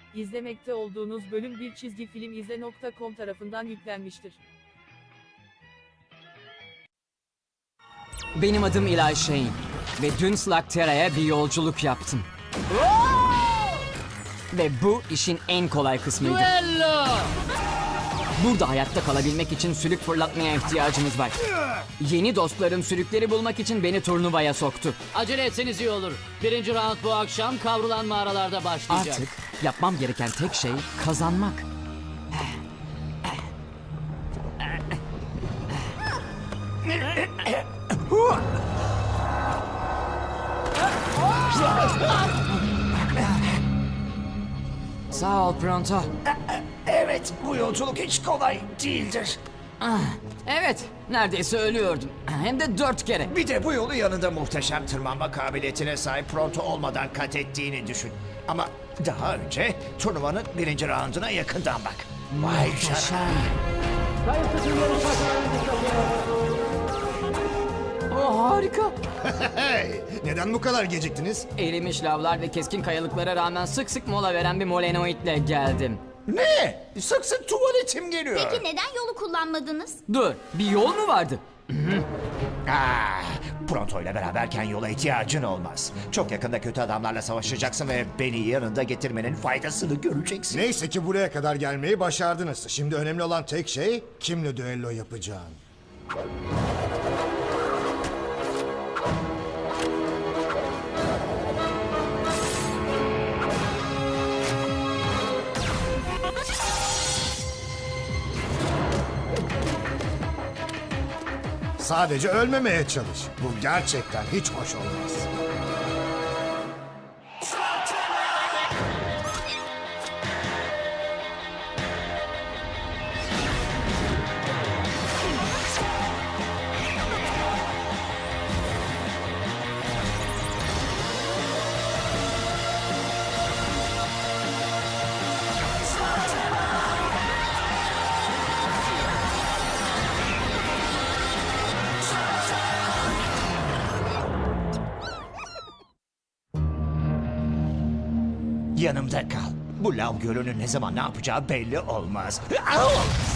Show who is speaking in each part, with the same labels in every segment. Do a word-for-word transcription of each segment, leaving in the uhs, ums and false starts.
Speaker 1: İzlemekte olduğunuz bölüm bir çizgi film izle nokta com tarafından yüklenmiştir.
Speaker 2: Benim adım Eli Shane ve dün Slugterra'ya bir yolculuk yaptım. Ve bu işin en kolay kısmıydı.
Speaker 3: Duello!
Speaker 2: Burada hayatta kalabilmek için sülük fırlatmaya ihtiyacımız var. Yeni dostlarım sülükleri bulmak için beni turnuvaya soktu.
Speaker 3: Acele etseniz iyi olur. Birinci round bu akşam kavrulan mağaralarda başlayacak.
Speaker 2: Artık yapmam gereken tek şey kazanmak. Sağ ol Pronto.
Speaker 4: Evet, bu yolculuk hiç kolay değildir.
Speaker 2: Evet, neredeyse ölüyordum. Hem de dört kere.
Speaker 4: Bir de bu yolu yanında muhteşem tırmanma kabiliyetine sahip Pronto olmadan kat ettiğini düşün. Ama daha önce turnuvanın birinci rounduna yakından bak. Vay canına.
Speaker 2: Oh, harika.
Speaker 5: Hey, neden bu kadar geciktiniz?
Speaker 2: Erimiş lavlar ve keskin kayalıklara rağmen sık sık mola veren bir molenoidle geldim.
Speaker 4: Ne? Sık sık tuvaletim geliyor.
Speaker 6: Peki neden yolu kullanmadınız?
Speaker 2: Dur, bir yol mu vardı?
Speaker 4: Ah, Pronto ile beraberken yola ihtiyacın olmaz. Çok yakında kötü adamlarla savaşacaksın ve beni yanında getirmenin faydasını göreceksin.
Speaker 5: Neyse ki buraya kadar gelmeyi başardınız. Şimdi önemli olan tek şey kimle düello yapacağın. Sadece ölmemeye çalış. Bu gerçekten hiç hoş olmaz.
Speaker 4: Yanımda kal. Bu lav gölünün ne zaman ne yapacağı belli olmaz. Au!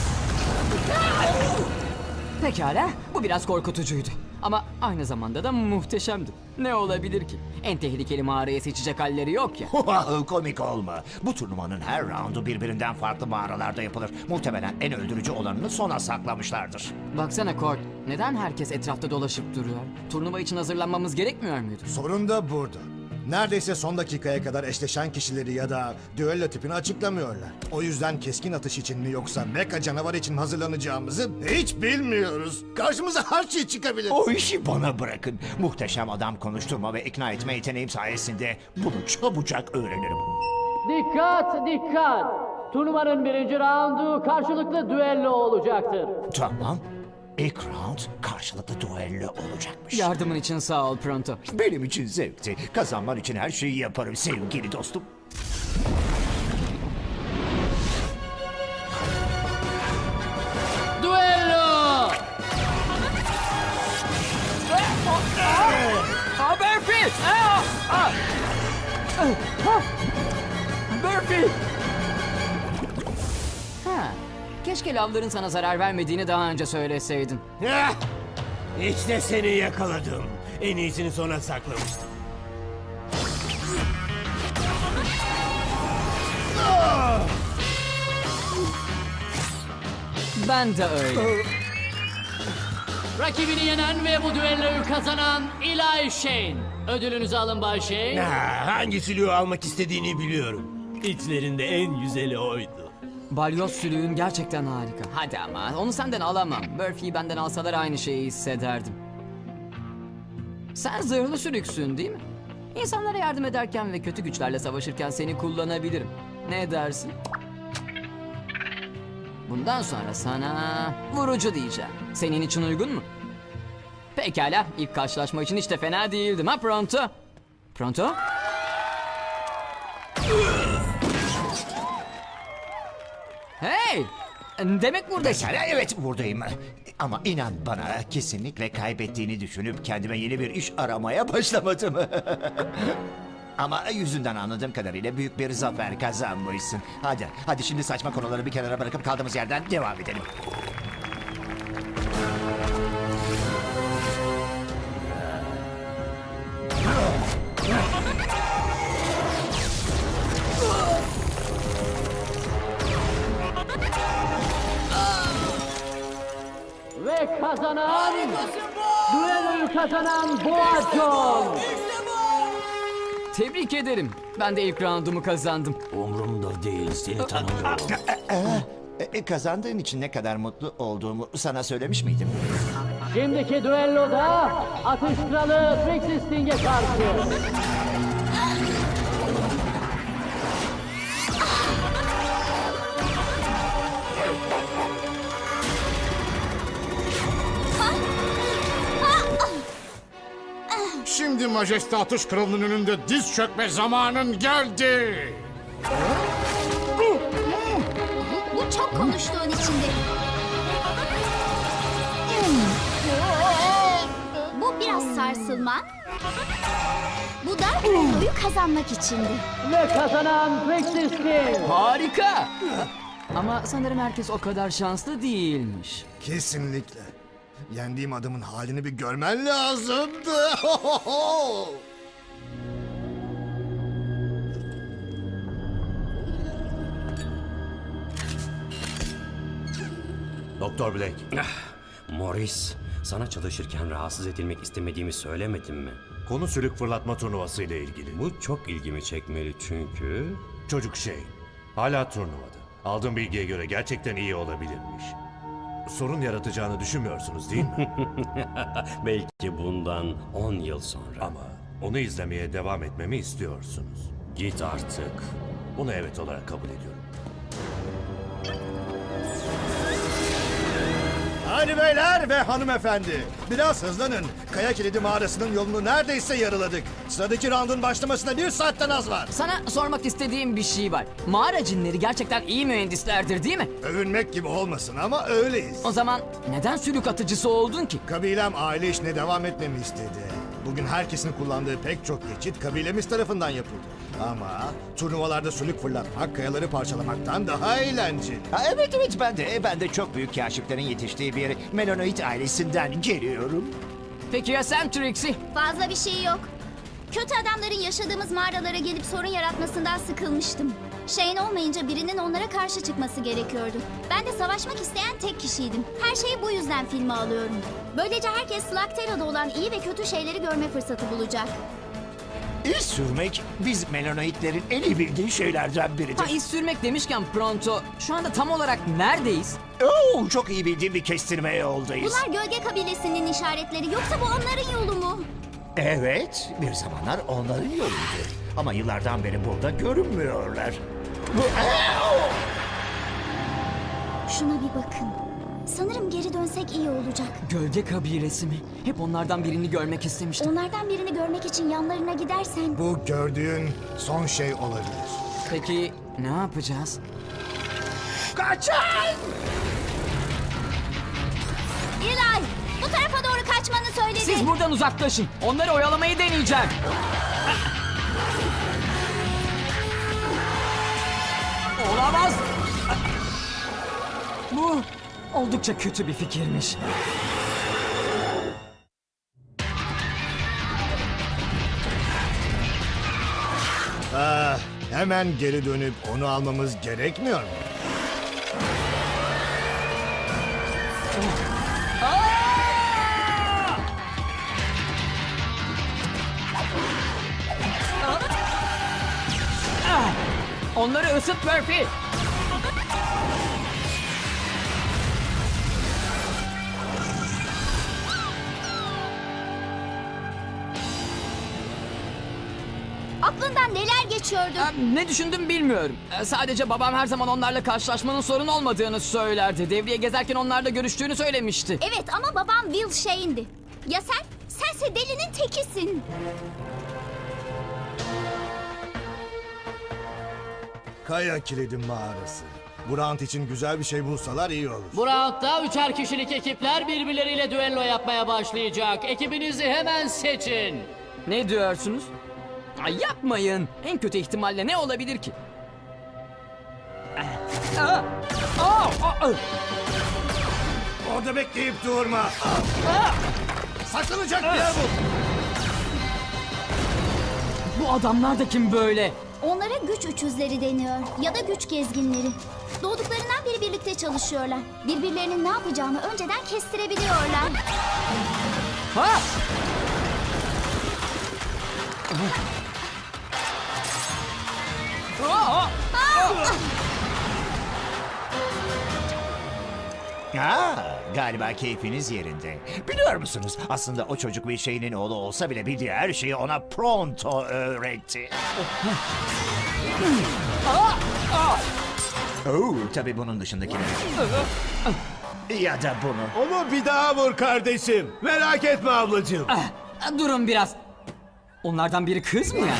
Speaker 2: Pekala, bu biraz korkutucuydu. Ama aynı zamanda da muhteşemdi. Ne olabilir ki? En tehlikeli mağarayı seçecek halleri yok ya.
Speaker 4: Komik olma. Bu turnuvanın her roundu birbirinden farklı mağaralarda yapılır. Muhtemelen en öldürücü olanını sona saklamışlardır.
Speaker 2: Baksana Kord, neden herkes etrafta dolaşıp duruyor? Turnuva için hazırlanmamız gerekmiyor muydu?
Speaker 5: Sorun da burada. Neredeyse son dakikaya kadar eşleşen kişileri ya da düello tipini açıklamıyorlar. O yüzden keskin atış için mi yoksa mecha canavar için hazırlanacağımızı hiç bilmiyoruz. Karşımıza her şey çıkabilir.
Speaker 4: O işi bana bırakın. Muhteşem adam konuşturma ve ikna etme yeteneğim sayesinde bunu çabucak öğrenirim.
Speaker 3: Dikkat dikkat! Turnuvanın birinci roundu karşılıklı düello olacaktır.
Speaker 4: Tamam. İlk round karşılıklı duello olacakmış.
Speaker 2: Yardımın için sağ ol Pronto.
Speaker 4: Benim için zevkti. Kazanman için her şeyi yaparım sevgili dostum.
Speaker 3: Duello!
Speaker 2: Ha Burpee! Aa! Aa! Ha! Burpee! Ha, keşke lavların sana zarar vermediğini daha önce söyleseydin.
Speaker 7: Heh! İşte seni yakaladım. En iyisini sona saklamıştım.
Speaker 2: Ben de öyle.
Speaker 3: Rakibini yenen ve bu düelloyu kazanan Eli Shane. Ödülünüzü alın Bay Shane.
Speaker 7: Ha, hangi silüğü almak istediğini biliyorum. İçlerinde en güzeli oydu.
Speaker 2: Balyoz sülüğün gerçekten harika. Hadi ama onu senden alamam. Burphee'yi benden alsalar aynı şeyi hissederdim. Sen zırhlı sülüksün değil mi? İnsanlara yardım ederken ve kötü güçlerle savaşırken seni kullanabilirim. Ne dersin? Bundan sonra sana vurucu diyeceğim. Senin için uygun mu? Pekala, ilk karşılaşma için hiç de fena değildim ha Pronto? Pronto? Hey! Demek buradasın.
Speaker 4: Mesela evet buradayım. Ama inan bana kesinlikle kaybettiğini düşünüp kendime yeni bir iş aramaya başlamadım. Ama yüzünden anladığım kadarıyla büyük bir zafer kazanmışsın. Hadi, hadi şimdi saçma konuları bir kenara bırakıp kaldığımız yerden devam edelim.
Speaker 3: Ve kazanan... Düelloyu kazanan Boğaçon.
Speaker 2: Tebrik ederim. Ben de ilk roundumu kazandım.
Speaker 7: Umrumda değil, seni tanımıyorum.
Speaker 4: E, e, kazandığın için ne kadar mutlu olduğumu sana söylemiş miydim?
Speaker 3: Şimdiki düelloda Atış Kralı Trixie Sting'e karşı.
Speaker 8: Şimdi Majeste Atış Kralı'nın önünde diz çökme zamanın geldi.
Speaker 6: Bu çok konuştuğun içindi. Bu biraz sarsılman. Bu da düelloyu kazanmak içindi.
Speaker 3: Ve kazanan Trixie Sting.
Speaker 2: Harika. Ama sanırım herkes o kadar şanslı değilmiş.
Speaker 5: Kesinlikle. Yendiğim adamın halini bir görmen lazımdı.
Speaker 7: Doktor Black,
Speaker 9: Morris, sana çalışırken rahatsız edilmek istemediğimi söylemedim mi?
Speaker 10: Konu sülük fırlatma turnuvası ile ilgili.
Speaker 9: Bu çok ilgimi çekmeli çünkü...
Speaker 10: Çocuk şey, hala turnuvada. Aldığım bilgiye göre gerçekten iyi olabilirmiş. Sorun yaratacağını düşünmüyorsunuz değil mi?
Speaker 9: Belki bundan on yıl sonra.
Speaker 10: Ama onu izlemeye devam etmemi istiyorsunuz.
Speaker 9: Git artık.
Speaker 10: Bunu evet olarak kabul ediyorum.
Speaker 5: Hadi beyler ve hanımefendi. Biraz hızlanın. Kaya Kilidi mağarasının yolunu neredeyse yarıladık. Sıradaki roundun başlamasına bir saatten az var.
Speaker 2: Sana sormak istediğim bir şey var. Mağara cinleri gerçekten iyi mühendislerdir değil mi?
Speaker 5: Övünmek gibi olmasın ama öyleyiz.
Speaker 2: O zaman neden sülük atıcısı oldun ki?
Speaker 5: Kabilem aile işine devam etmemi istedi. Bugün herkesin kullandığı pek çok geçit kabilemiz tarafından yapıldı. Ama turnuvalarda sülük fırlatmak kayaları parçalamaktan daha eğlenceli.
Speaker 4: Ha, evet evet ben de ben de çok büyük kaşiflerin yetiştiği bir Melanoid ailesinden geliyorum.
Speaker 2: Peki ya sen Trixie?
Speaker 6: Fazla bir şey yok. Kötü adamların yaşadığımız mağaralara gelip sorun yaratmasından sıkılmıştım. Shane olmayınca birinin onlara karşı çıkması gerekiyordu. Ben de savaşmak isteyen tek kişiydim. Her şeyi bu yüzden filme alıyorum. Böylece herkes Slugterra'da olan iyi ve kötü şeyleri görme fırsatı bulacak.
Speaker 4: İz sürmek biz Melanoidlerin en iyi bildiği şeylerden biridir.
Speaker 2: Ha, iz sürmek demişken Pronto, şu anda tam olarak neredeyiz?
Speaker 4: Oo, çok iyi bildiğim bir kestirme yoldayız.
Speaker 6: Bunlar gölge kabilesinin işaretleri, yoksa bu onların yolu mu?
Speaker 4: Evet, bir zamanlar onların yoluydu. Ama yıllardan beri burada görünmüyorlar. Bu...
Speaker 6: Şuna bir bakın. Sanırım geri dönsek iyi olacak.
Speaker 2: Gölge kabilesi mi? Hep onlardan birini görmek istemiştim.
Speaker 6: Onlardan birini görmek için yanlarına gidersen...
Speaker 5: Bu gördüğün son şey olabilir.
Speaker 2: Peki ne yapacağız?
Speaker 4: Kaçın!
Speaker 6: Eli, bu tarafa doğru kaçmanı söyledi.
Speaker 2: Siz buradan uzaklaşın. Onları oyalamayı deneyeceğim. Olamaz. Bu oldukça kötü bir fikirmiş.
Speaker 5: Ah, hemen geri dönüp onu almamız gerekmiyor mu?
Speaker 2: Onları ısıt Murphy.
Speaker 6: Aklından neler geçiyordu?
Speaker 2: Ha, ne düşündüm bilmiyorum. Ee, Sadece babam her zaman onlarla karşılaşmanın sorun olmadığını söylerdi. Devriye gezerken onlarla görüştüğünü söylemişti.
Speaker 6: Evet ama babam Will Shane'di. Ya sen? Sense delinin tekisin.
Speaker 5: Kaya Kilidi mağarası. Bu round için güzel bir şey bulsalar iyi olur.
Speaker 3: Bu roundda üçer kişilik ekipler birbirleriyle düello yapmaya başlayacak. Ekibinizi hemen seçin.
Speaker 2: Ne diyorsunuz? Ay yapmayın. En kötü ihtimalle ne olabilir ki? Aa, aa, aa, aa.
Speaker 5: Orada bekleyip durma. Saklanacak bir yer bul.
Speaker 2: Bu adamlar da kim böyle?
Speaker 6: Onlara güç üçüzleri deniyor ya da güç gezginleri. Doğduklarından beri birlikte çalışıyorlar. Birbirlerinin ne yapacağını önceden kestirebiliyorlar.
Speaker 2: Ha! Aa, aa.
Speaker 4: Aa, galiba keyfiniz yerinde. Biliyor musunuz? Aslında o çocuk bir şeyinin oğlu olsa bile bildiği her şeyi ona pronto öğretti. Oo, tabii bunun dışındakileri. Ya da bunu.
Speaker 7: Onu bir daha vur kardeşim. Merak etme ablacığım.
Speaker 2: Ah, durun biraz. Onlardan biri kız mı yani?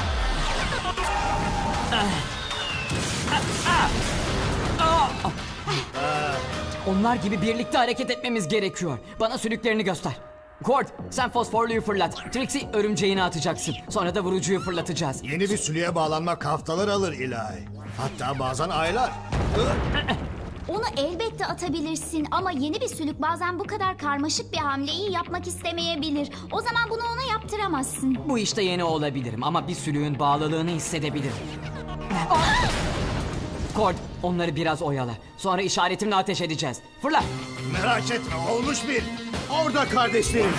Speaker 2: Ah. Ah, ah. Ah. Onlar gibi birlikte hareket etmemiz gerekiyor. Bana sülüklerini göster. Cord, sen fosforluyu fırlat. Trixie örümceğini atacaksın. Sonra da vurucuyu fırlatacağız.
Speaker 5: Yeni bir sülüye bağlanmak haftalar alır ilahi. Hatta bazen aylar.
Speaker 6: Onu elbette atabilirsin ama yeni bir sülük bazen bu kadar karmaşık bir hamleyi yapmak istemeyebilir. O zaman bunu ona yaptıramazsın.
Speaker 2: Bu işte yeni olabilirim ama bir sülüğün bağlılığını hissedebilirim. Cord, onları biraz oyala. Sonra işaretimle ateş edeceğiz. Fırla.
Speaker 5: Merak etme olmuş bir.
Speaker 7: Orada kardeşlerim.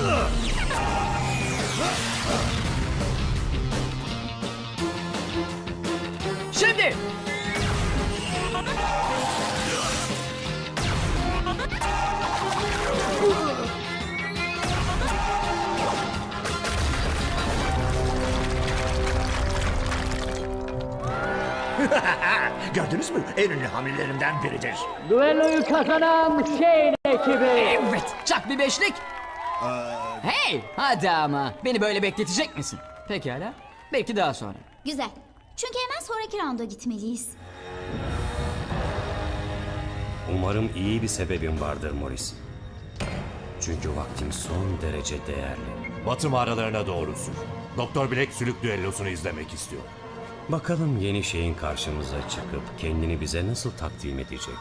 Speaker 2: Şimdi.
Speaker 4: Gördünüz mü? En ünlü hamlelerimden biridir.
Speaker 3: Düelloyu kazanan Shane ekibi.
Speaker 2: Evet, çak bir beşlik. Hey, hadi ama. Beni böyle bekletecek misin? Pekala. Belki daha sonra.
Speaker 6: Güzel. Çünkü hemen sonraki rounda gitmeliyiz.
Speaker 9: Umarım iyi bir sebebin vardır Morris. Çünkü vaktim son derece değerli.
Speaker 10: Batı mağaralarına doğru sür. Doktor Black sülük düellosunu izlemek istiyor.
Speaker 9: Bakalım yeni şeyin karşımıza çıkıp kendini bize nasıl takdim edecek.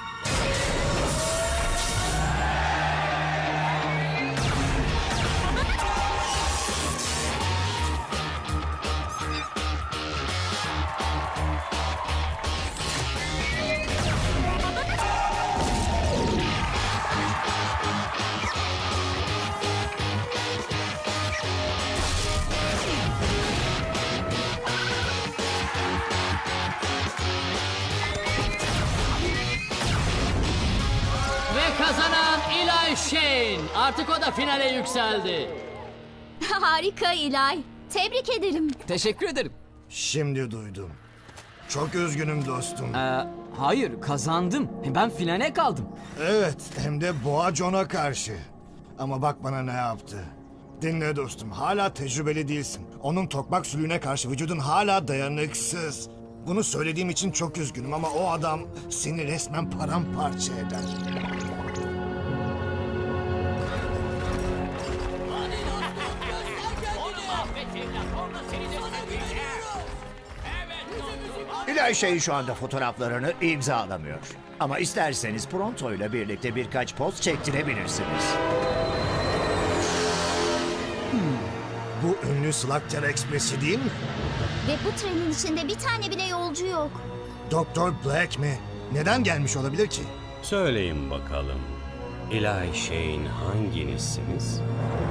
Speaker 3: Ve kazanan Eli Shane. Artık o da finale yükseldi.
Speaker 6: Harika İlay. Tebrik ederim.
Speaker 2: Teşekkür ederim.
Speaker 5: Şimdi duydum. Çok üzgünüm dostum.
Speaker 2: Ee, hayır, kazandım. Ben finale kaldım.
Speaker 5: Evet, hem de Boğa John'a karşı. Ama bak bana ne yaptı. Dinle dostum, hala tecrübeli değilsin. Onun tokmak sülüğüne karşı vücudun hala dayanıksız. Bunu söylediğim için çok üzgünüm ama o adam seni resmen paramparça eder.
Speaker 4: İlahi şey şu anda fotoğraflarını imzalamıyor. Ama isterseniz Pronto ile birlikte birkaç poz çektirebilirsiniz.
Speaker 5: Bu ünlü Slugter Express'i değil mi?
Speaker 6: Ve bu trenin içinde bir tane bile yolcu yok.
Speaker 5: Doktor Black mi? Neden gelmiş olabilir ki?
Speaker 9: Söyleyin bakalım. Eli Shane hanginizsiniz?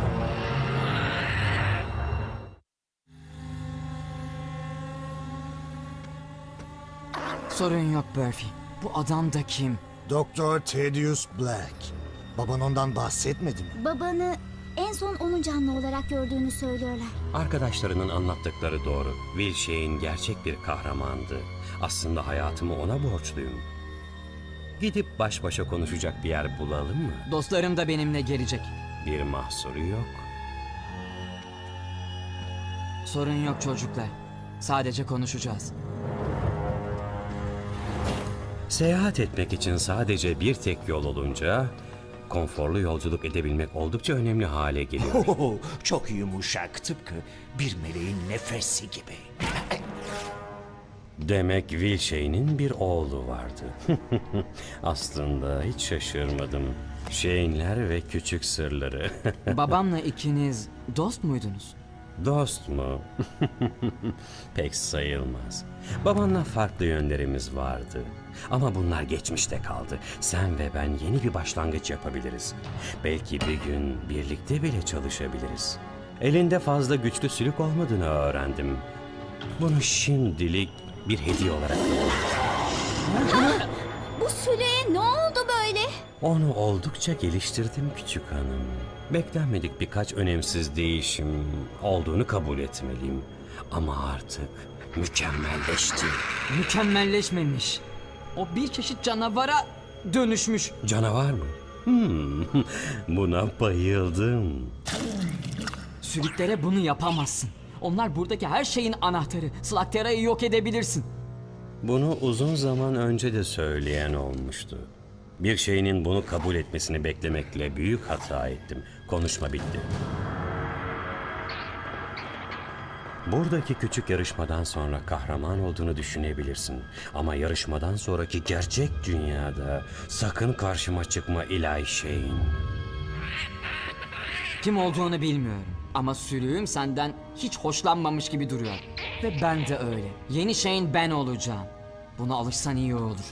Speaker 2: Sorun yok Murphy. Bu adam da kim?
Speaker 5: Doktor Thaddeus Black. Baban ondan bahsetmedi mi?
Speaker 6: Babanı en son onun canlı olarak gördüğünü söylüyorlar.
Speaker 9: Arkadaşlarının anlattıkları doğru. Will Shane gerçek bir kahramandı. Aslında hayatımı ona borçluyum. Gidip baş başa konuşacak bir yer bulalım mı?
Speaker 2: Dostlarım da benimle gelecek.
Speaker 9: Bir mahsuru yok.
Speaker 2: Sorun yok çocuklar. Sadece konuşacağız.
Speaker 9: Seyahat etmek için sadece bir tek yol olunca konforlu yolculuk edebilmek oldukça önemli hale geliyor.
Speaker 4: Oho, çok yumuşak, tıpkı bir meleğin nefesi gibi.
Speaker 9: Demek Wilshane'in bir oğlu vardı. Aslında hiç şaşırmadım. Shane'ler ve küçük sırları.
Speaker 2: Babamla ikiniz dost muydunuz?
Speaker 9: Dost mu? Pek sayılmaz. Babanla farklı yönlerimiz vardı. Ama bunlar geçmişte kaldı. Sen ve ben yeni bir başlangıç yapabiliriz. Belki bir gün birlikte bile çalışabiliriz. Elinde fazla güçlü sülük olmadığını öğrendim. Bunu şimdilik bir hediye olarak veriyorum.
Speaker 6: Bu süleye ne oldu böyle?
Speaker 9: Onu oldukça geliştirdim küçük hanım. Beklenmedik birkaç önemsiz değişim olduğunu kabul etmeliyim. Ama artık mükemmelleşti.
Speaker 2: Mükemmelleşmemiş. O bir çeşit canavara dönüşmüş.
Speaker 9: Canavar mı? Hmm, buna bayıldım.
Speaker 2: Sülüklere bunu yapamazsın. Onlar buradaki her şeyin anahtarı. Slaktera'yı yok edebilirsin.
Speaker 9: Bunu uzun zaman önce de söyleyen olmuştu. Bir şeyinin bunu kabul etmesini beklemekle büyük hata ettim. Konuşma bitti. Buradaki küçük yarışmadan sonra kahraman olduğunu düşünebilirsin. Ama yarışmadan sonraki gerçek dünyada sakın karşıma çıkma Eli Shane.
Speaker 2: Kim olduğunu bilmiyorum. Ama sülüğüm senden hiç hoşlanmamış gibi duruyor. Ve ben de öyle. Yeni Shane ben olacağım. Buna alışsan iyi olur.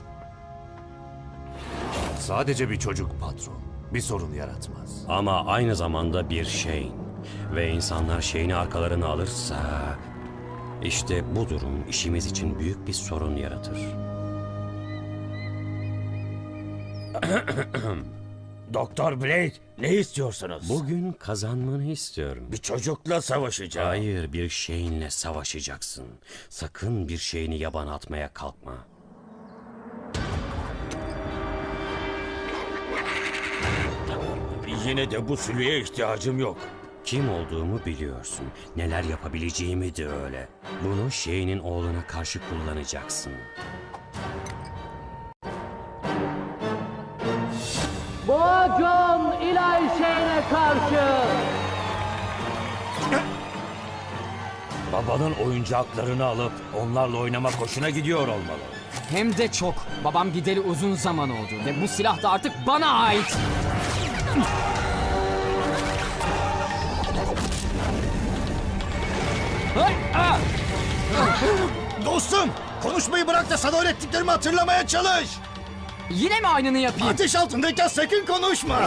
Speaker 10: Sadece bir çocuk patron. Bir sorun yaratmaz.
Speaker 9: Ama aynı zamanda bir Shane. Ve insanlar Shane'i arkalarına alırsa... işte bu durum işimiz için büyük bir sorun yaratır.
Speaker 11: Doktor Blake, ne istiyorsunuz?
Speaker 9: Bugün kazanmanı istiyorum.
Speaker 11: Bir çocukla savaşacağım.
Speaker 9: Hayır, bir Shane'le savaşacaksın. Sakın bir Shane'i yabana atmaya kalkma.
Speaker 11: Yine de bu sülüye ihtiyacım yok.
Speaker 9: Kim olduğumu biliyorsun. Neler yapabileceğimi de öyle. Bunu Shane'in oğluna karşı kullanacaksın.
Speaker 3: Boğa John Eli Shane'e karşı.
Speaker 11: Babanın oyuncaklarını alıp onlarla oynamak hoşuna gidiyor olmalı.
Speaker 2: Hem de çok. Babam gideli uzun zaman oldu. Ve bu silah da artık bana ait.
Speaker 5: Dostum, konuşmayı bırak da sana öğrettiklerimi hatırlamaya çalış.
Speaker 2: Yine mi aynını yapayım?
Speaker 5: Ateş altındayken sakın konuşma.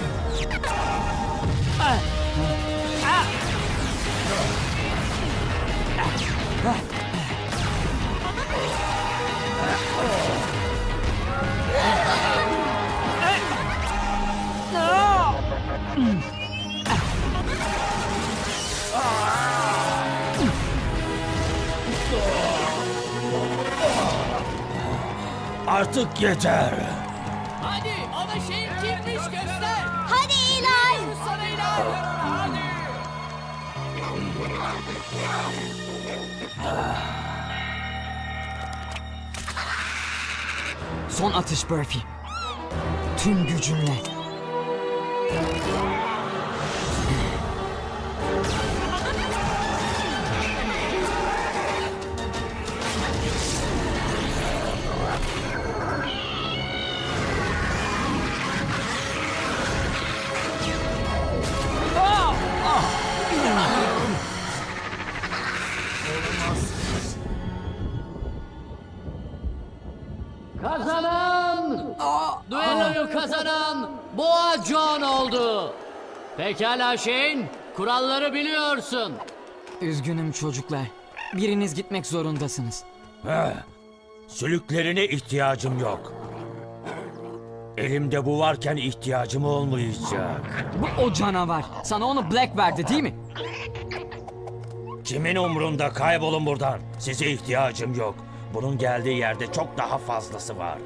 Speaker 11: Artık yeter.
Speaker 3: Hadi ona Shane kimmiş göster.
Speaker 6: Hadi Eli!
Speaker 3: Sana Eli. Hadi.
Speaker 2: Son atış Burfi. Tüm gücümle.
Speaker 3: Kazanan! Düelloyu kazanan Boğa John oldu. Pekala Shane, kuralları biliyorsun.
Speaker 2: Üzgünüm çocuklar. Biriniz gitmek zorundasınız.
Speaker 11: Heh, sülüklerine ihtiyacım yok. Elimde bu varken ihtiyacım olmayacak.
Speaker 2: Bu o canavar. Sana onu Black verdi değil mi?
Speaker 11: Kimin umrunda, kaybolun buradan. Size ihtiyacım yok. Bunun geldiği yerde çok daha fazlası var.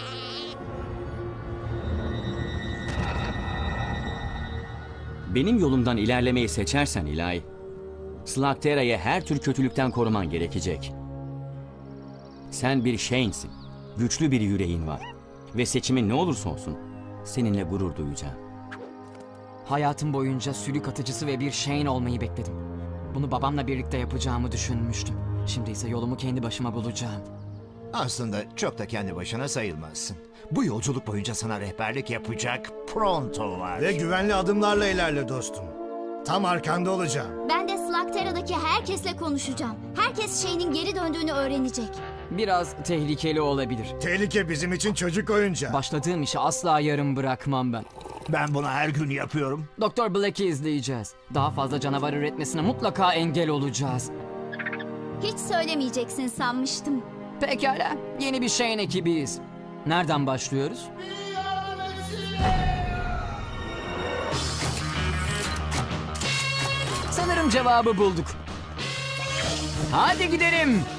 Speaker 12: Benim yolumdan ilerlemeyi seçersen Eli, Slaktera'yı her tür kötülükten koruman gerekecek. Sen bir Shane'sin. Güçlü bir yüreğin var. Ve seçimin ne olursa olsun seninle gurur duyacağım.
Speaker 2: Hayatım boyunca sülük atıcısı ve bir Shane olmayı bekledim. Bunu babamla birlikte yapacağımı düşünmüştüm. Şimdi ise yolumu kendi başıma bulacağım.
Speaker 4: Aslında çok da kendi başına sayılmazsın. Bu yolculuk boyunca sana rehberlik yapacak Pronto var.
Speaker 5: Ve güvenli adımlarla ilerle dostum. Tam arkanda olacağım.
Speaker 6: Ben de Slugterra'daki herkesle konuşacağım. Herkes Shane'in geri döndüğünü öğrenecek.
Speaker 2: Biraz tehlikeli olabilir.
Speaker 5: Tehlike bizim için çocuk oyuncağı.
Speaker 2: Başladığım işi asla yarım bırakmam ben.
Speaker 4: Ben bunu her gün yapıyorum.
Speaker 2: Doktor Black'i izleyeceğiz. Daha fazla canavar üretmesine mutlaka engel olacağız.
Speaker 6: Hiç söylemeyeceksin sanmıştım.
Speaker 2: Pekala, yeni bir Shane ekibiyiz. Nereden başlıyoruz? Sanırım cevabı bulduk. Hadi gidelim.